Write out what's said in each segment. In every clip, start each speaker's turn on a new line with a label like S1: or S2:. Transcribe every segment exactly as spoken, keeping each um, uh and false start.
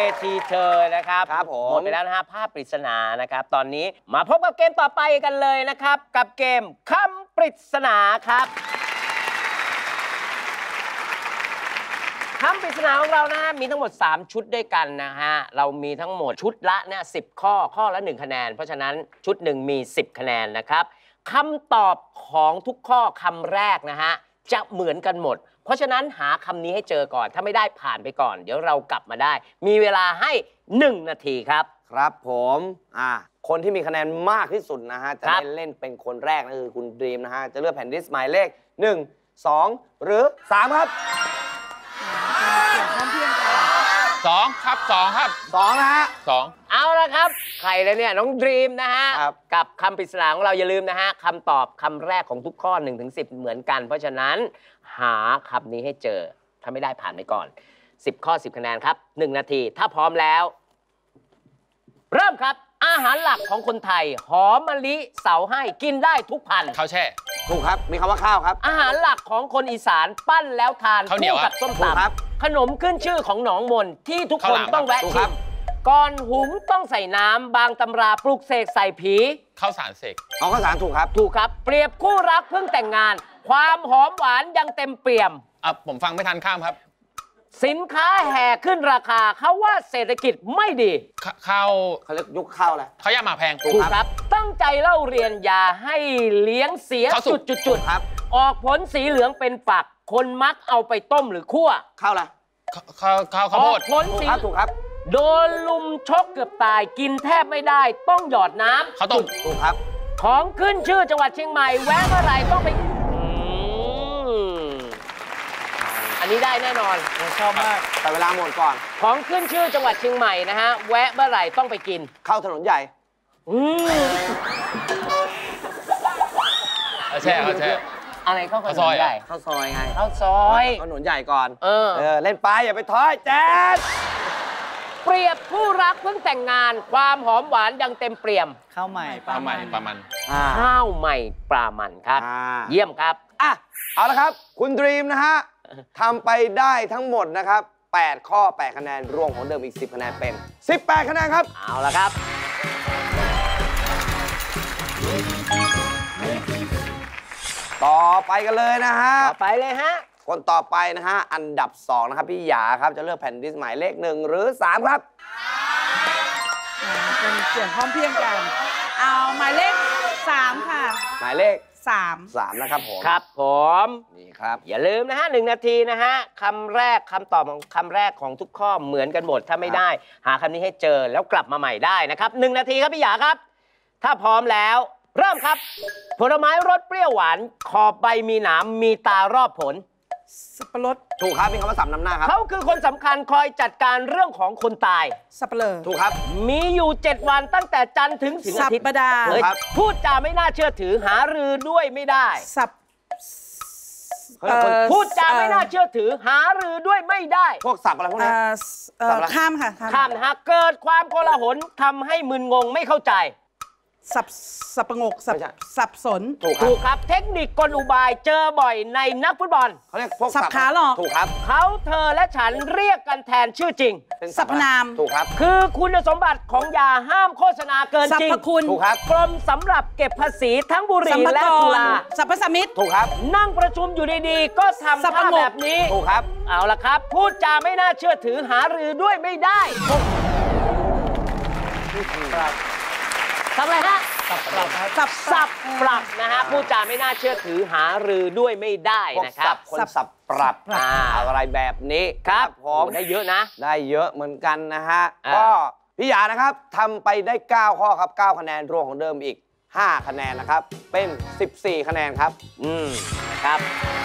S1: ทีเธอนะครับ
S2: ครับผม
S1: หมดไปแล้วนะฮะภาพปริศนานะครับตอนนี้มาพบกับเกมต่อไปกันเลยนะครับกับเกมคำปริศนาครับคำปริศนาของเรานะฮะมีทั้งหมดสามชุดด้วยกันนะฮะเรามีทั้งหมดชุดละเนี่ยสิบข้อข้อละหนึ่งคะแนนเพราะฉะนั้นชุดหนึ่งมีสิบคะแนนนะครับคำตอบของทุกข้อคำแรกนะฮะจะเหมือนกันหมดเพราะฉะนั้นหาคำนี้ให้เจอก่อนถ้าไม่ได้ผ่านไปก่อนเดี๋ยวเรากลับมาได้มีเวลาให้หนึ่งนาทีครับ
S2: ครับผมอ่าคนที่มีคะแนนมากที่สุดนะฮะจะได้เล่นเป็นคนแรกนะคือคุณดรีมนะฮะจะเลือกแผ่นดิสหมายเลขหนึ่ง สองหรือสามครับ
S3: สองครับสองครับ
S2: สองนะฮะ
S3: สอง
S1: เอาละครับใครเลยเนี่ยน้องดรีมนะฮะ
S2: ครับ
S1: กับคำปริศนาของเราอย่าลืมนะฮะคำตอบคำแรกของทุกข้อ หนึ่งถึงสิบ เหมือนกันเพราะฉะนั้นหาคำนี้ให้เจอถ้าไม่ได้ผ่านไปก่อนสิบข้อสิบคะแนนครับหนึ่งนาทีถ้าพร้อมแล้วเริ่มครับอาหารหลักของคนไทยหอมมะลิเสาให้กินได้ทุกพันธุ์
S3: ข้าวแช่
S2: ถูกครับมีคำว่าข้าวครับ
S1: อาหารหลักของคนอีสานปั้นแล้วทานคู่กับส้มตำขนมขึ้นชื่อของหนองมนที่ทุกคนต้องแวะชิมก่อนหุงต้องใส่น้ำบางตำราปลุกเสกใส่ผี
S3: ข้าวสารเสก
S2: เอาข้าวสารถูกครับ
S1: ถูกครับเปรียบคู่รักเพิ่งแต่งงานความหอมหวานยังเต็มเปี่ยม
S3: อ่ะผมฟังไม่ทันข้ามครับ
S1: สินค้าแห่ขึ้นราคาเขาว่าเศรษฐกิจไม่ดี
S3: ข้าว
S2: เขาเรียกยุคข้าวอะไร
S3: เขาย่าหมากแพง
S1: ถูกครับตั้งใจเล่าเรียนอย่าให้เลี้ยงเสียจุดจุดจุด
S2: ครับ
S1: ออกผลสีเหลืองเป็นฝักคนมักเอาไปต้มหรือคั่ว
S2: ข้าวอะไร
S3: ข้าวข้าวข้าวโพด
S1: ผลสี
S2: ถูกครับ
S1: โดนลุมชกเกือบตายกินแทบไม่ได้ต้องหยอดน้ำ
S3: ข้าวต้ม
S2: ถูกครับ
S1: ของขึ้นชื่อจังหวัดเชียงใหม่แวะเมื่อไหร่ต้องไปอันนี้ได้แน่นอน
S2: ชอบมากแต่เวลาหมดก่อน
S1: ของขึ้นชื่อจังหวัดเชียงใหม่นะฮะแวะเมื่อไหร่ต้องไปกิน
S2: เข้าถนนใหญ่
S1: อืม
S3: แช่เขาแช่
S1: อะไรเข้าถนนใหญ่
S2: เข้าซอยไง
S1: เข้าซอย
S2: ถนนใหญ่ก่อน
S1: เออ
S2: เออเล่นไปอย่าไปท้อยแจ๊ด
S1: เปรียบคู่รักเพิ่งแต่งงานความหอมหวานยังเต็มเปี่ยม
S4: ข้าวใหม่
S3: ปลาใหม่ปลามัน
S1: ข้าวใหม่ปลามันครับเยี่ยมครับ
S2: อ่ะเอาละครับคุณดรีมนะฮะทำไปได้ทั้งหมดนะครับแปดข้อแปดคะแนนรวมของเดิมอีกสิบคะแนนเป็นสิบแปดคะแนนครับ
S1: เอาละครับ
S2: ต่อไปกันเลยนะฮะ
S1: ต่อไปเลยฮะ
S2: คนต่อไปนะฮะอันดับสองนะครับพี่หยาครับจะเลือกแผ่นดิสหมายเลขหนึ่งหรือสามครับ
S4: เป็นเสียงพร้อมเพรียงกันเอาหมายเลขสามค่ะ
S2: หมายเลข
S4: สาม
S2: สามนะครับผม
S1: ครับผม
S2: นี่ครับ
S1: อย่าลืมนะฮะหนึ่งนาทีนะฮะคำแรกคำตอบของคำแรกของทุกข้อเหมือนกันหมดถ้าไม่ได้หาคำนี้ให้เจอแล้วกลับมาใหม่ได้นะครับหนึ่งนาทีครับพี่หยาครับถ้าพร้อมแล้วเริ่มครับผลไม้รสเปรี้ยวหวานขอบใบมีหนามมีตารอบผล
S4: สับปะรด
S2: ถูกครับมีคำว่าสับนำหน้าครับ
S1: เขาคือคนสำคัญคอยจัดการเรื่องของคนตาย
S4: สับปะเลอ
S2: ถูกครับ
S1: มีอยู่เจ็ดวันตั้งแต่จันทร์ถึงถึงอาทิตย์
S4: สัปดาห์
S1: เลยพูดจาไม่น่าเชื่อถือหารือด้วยไม่ได้
S4: สับ
S1: พูดจาไม่น่าเชื่อถือหารือด้วยไม่ได้
S2: พวกสับอะไรพวกนี้
S4: ข้ามค่ะ
S1: ข้ามนะฮะเกิดความโกลาหลทำให้มึนงงไม่เข้าใจ
S4: สับสับประงกสับสับสน
S1: ถูกครับเทคนิคกลอุบายเจอบ่อยในนักฟุตบอล
S2: เขาเรียกพวก
S4: สับขาหลอก
S2: ถูกครับ
S1: เขาเธอและฉันเรียกกันแทนชื่อจริง
S4: สรรพนาม
S2: ถูกครับ
S1: คือคุณสมบัติของยาห้ามโฆษณาเกินจริง
S4: สรรพคุณ
S2: ถูกครับ
S1: กรมสำหรับเก็บภาษีทั้งบุหรี่และสุรา
S4: สรรพสมิต
S2: ถูกครับ
S1: นั่งประชุมอยู่ดีๆก็ทำท่าแบบนี้
S2: ถูกครับ
S1: เอาละครับพูดจาไม่น่าเชื่อถือหารือด้วยไม่ได้ทำอะไรฮะ
S4: สับปรับ
S1: สับสับปรับนะฮะพูดจาไม่น่าเชื่อถือหารือด้วยไม่ได้นะครับ
S2: คนสับปรับอะไรแบบนี้
S1: ครับผมได้เยอะนะ
S2: ได้เยอะเหมือนกันนะฮะก็พี่หยานะครับทำไปได้เก้าข้อครับเก้าคะแนนรวมของเดิมอีกห้าคะแนนนะครับเป็นสิบสี่คะแนนครับ
S1: อืมครับ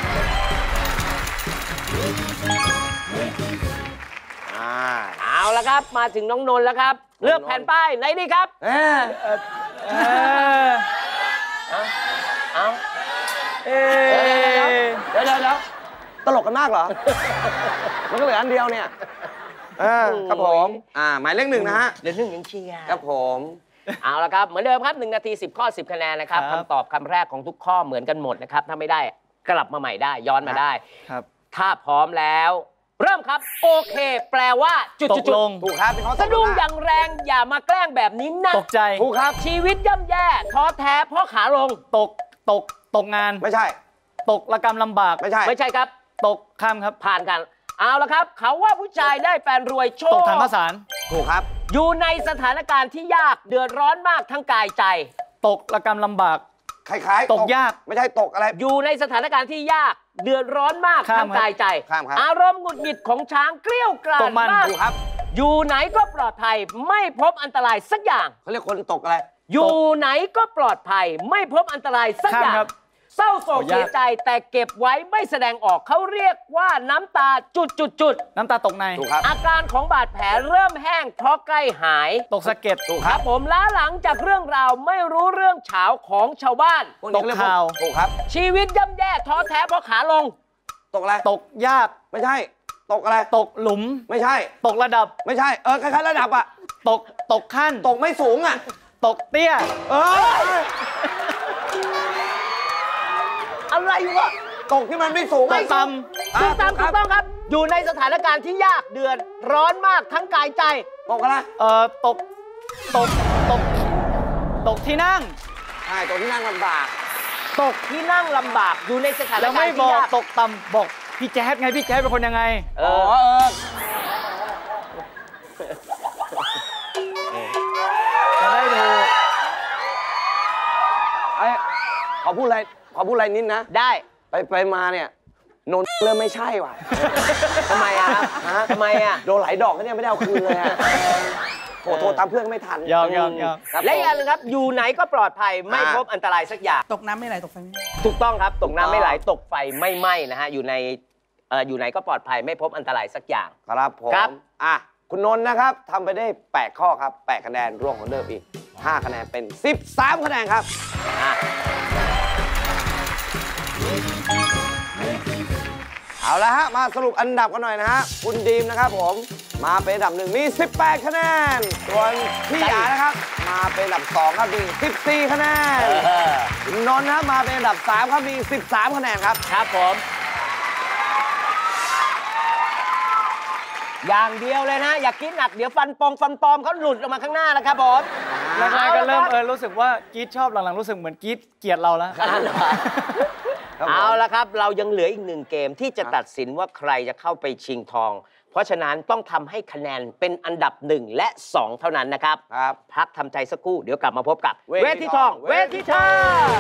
S1: เอาละครับมาถึงน้องนนท์แล้วครับเลือกแผ่นป้ายไหนดีครับเออเออเอาเออ
S2: เดี๋ยวเดี๋ยวเดี๋ยวตลกกันมากเหรอมันก็เหลืออันเดียวเนี่ยครับผมอ่าหมายเลขหนึ่งนะฮะ
S1: เดี๋ยวหนึ่งยังเชียร์
S2: ครับผม
S1: เอาละครับเหมือนเดิมครับหนึ่งนาทีสิบข้อสิบคะแนนนะครับคำตอบคำแรกของทุกข้อเหมือนกันหมดนะครับถ้าไม่ได้กลับมาใหม่ได้ย้อนมาได้
S4: ครับ
S1: ถ้าพร้อมแล้วเริ่มครับ โอเค แปลว่าจุด
S5: ต
S1: จุ
S5: ก
S1: ด
S5: ลง
S2: ถูกครับเป็นข้อ
S1: สะดุ้งอย่างแรงอย่ามาแกล้งแบบนี้นะ
S5: ตกใจ
S2: ถูกครับ
S1: ชีวิตย่ำแย่ท้อแท้เพราะขาลง
S5: ตก ตก ตกงาน
S2: ไม่ใช่
S5: ตกระกรรมลำบาก
S2: ไม่ใช่
S1: ไม่ใช่ครับ
S5: ตกข้ามครับ
S1: ผ่านกัน เอาละครับ เขาว่าผู้ชายได้แฟนรวยโช
S5: ตก
S1: ว์
S5: ถังข้าวสาร
S2: ถูกครับ
S1: อยู่ในสถานการณ์ที่ยากเดือดร้อนมากทั้งกายใจ
S5: ตกระกรรมลำบาก
S2: คล้ายๆ
S5: ตกยาก
S2: ไม่ใช่ตกอะไร
S1: อยู่ในสถานการณ์ที่ยากเดือดร้อนมาก
S5: ข้าม
S1: ทั้งกายใจ
S2: ข้ามครับ
S1: อารมณ์หงุดหงิดของช้างเกลี้ยวกรา
S5: ต
S1: ด
S5: กมัน
S1: มาก
S2: ถูกครับ
S1: อยู่ไหนก็ปลอดภัยไม่พบอันตรายสักอย่าง
S2: เขาเรียกคนตกอะไร
S1: อยู่ไหนก็ปลอดภัยไม่พบอันตรายสักอย่าง
S5: ข้ามครับ
S1: เศร้าโศก
S5: โอ้ยาก
S1: เสียใจแต่เก็บไว้ไม่แสดงออกเขาเรียกว่าน้ำตาจุดจุดจุด
S5: น้ำตาตกใน
S2: ถูกครับ
S1: อาการของบาดแผลเริ่มแห้งเพราะใกล้หาย
S5: ตกสะเก็ด
S2: ถูก
S1: ค
S2: ค
S1: รั
S2: รั
S1: บบ ผมล้าหลังจากเรื่องราวไม่รู้เรื่องเฉาของชาวบ้าน
S2: พวนี้เรีย
S5: ตกข่าว
S2: ถูกครับ
S1: ชีวิตย่ำแย่ท้อแท้เพราะขาลง
S2: ตกอะไร
S5: ตกยาก
S2: ไม่ใช่ ตกอะไร
S5: ตกหลุม
S2: ไม่ใช่
S5: ตกระดับ
S2: ไม่ใช่ เออคล้ายๆระดับอะ
S5: ตก ตกขั้น
S2: ตกไม่สูงอะ
S5: ตกเตี้ย
S2: เออ
S1: อะไรวะ
S2: ตกที่มันไม่สูง
S5: ต
S2: อะ
S5: กต่
S1: ถูกตามถูกต้องครับ อยู่ในสถานการณ์ที่ยากเดือดร้อนมากทั้งกายใจ
S2: ตกอะไร
S5: ำเอ่อ ตก ตก ตก ตกที่นั่ง
S2: ใช่ตกที่นั่งลำบาก
S1: ตกที่นั่งลำบากอยู่ในสถาน
S5: แล้ว
S1: การ
S5: ไม่
S1: ณ์
S5: บอ
S1: ที่
S5: ก
S1: ยาก
S5: ตกต่ำบอกพี่แจ๊ดไงพี่แจ๊ดเป็นคนยังไง
S1: เอ
S2: อ๋อ
S1: อ
S2: เออ
S5: จะได้ดู
S2: ไอ้ขอพูดอะไร ขอพูดอะไรนิดนะ
S1: ได้
S2: ไปไปมาเนี่ยนนเริ่มไม่ใช่ว่ะ
S1: ทำไมอะครับ
S2: ฮะ
S1: ทำไมอะ
S2: โดนหลายดอกก็เนี่ยไม่ได้เอาคืนเลยอะโอ้โทรตามเพื่อนก็ไม่ทัน
S5: ยอมยอมยอม
S2: ครับ
S1: และอีกอย่างหนึงครับ อยู่ไหนก็ปลอดภัยไม่
S2: อ่า
S1: พบอันตรายสักอย่าง
S4: ตกน้ำไม่ไหลตกไฟไม่ไหม้
S1: ถูกต้องครับ ตกน้ำไม่ไหล
S2: ถูกต้อง
S1: ตกไฟไม่ไหม้นะฮะ อยู่ในเอ่ออยู่ไหนก็ปลอดภัยไม่พบอันตรายสักอย่าง
S2: ครับผม
S1: ครับ
S2: อ่ะคุณนนท์นะครับทำไปได้แปดข้อครับแปดคะแนนรวมของเดิมอีกห้าคะแนนเป็นสิบสามคะแนนครับ
S1: อ่ะ
S2: เอาละฮะ มาสรุปอันดับกันหน่อยนะฮะ คุณดีมนะครับผม มาเป็นอันดับหนึ่งมี สิบแปด คะแนน ส่วนพี่หยานะครับ มาเป็นอันดับสองครับมี สิบสี่ คะแนน
S1: เออ
S2: คุณนนท์นะมาเป็นอันดับสามครับมี สิบสาม คะแนนครับ
S1: ครับผม อย่างเดียวเลยนะ อย่าคิดหนักเดี๋ยวฟันปองฟันปลอมเขาหลุดออกมาข้างหน้าแล้วครับผม
S5: แรกๆก็เริ่มเออรู้สึกว่ากรีดชอบหลังๆรู้สึกเหมือนกรีดเกลียดเราแล้ว
S2: ครับผม
S1: เอาละครับ เรายังเหลืออีกหนึ่งเกมที่จะตัดสินว่าใครจะเข้าไปชิงทอง เพราะฉะนั้นต้องทำให้คะแนนเป็นอันดับหนึ่งและสองเท่านั้นนะครับ
S2: ครับ
S1: พักทำใจสักครู่เดี๋ยวกลับมาพบกับ
S2: เวที
S1: ทีทอง
S2: ทอง
S1: เวทีทอง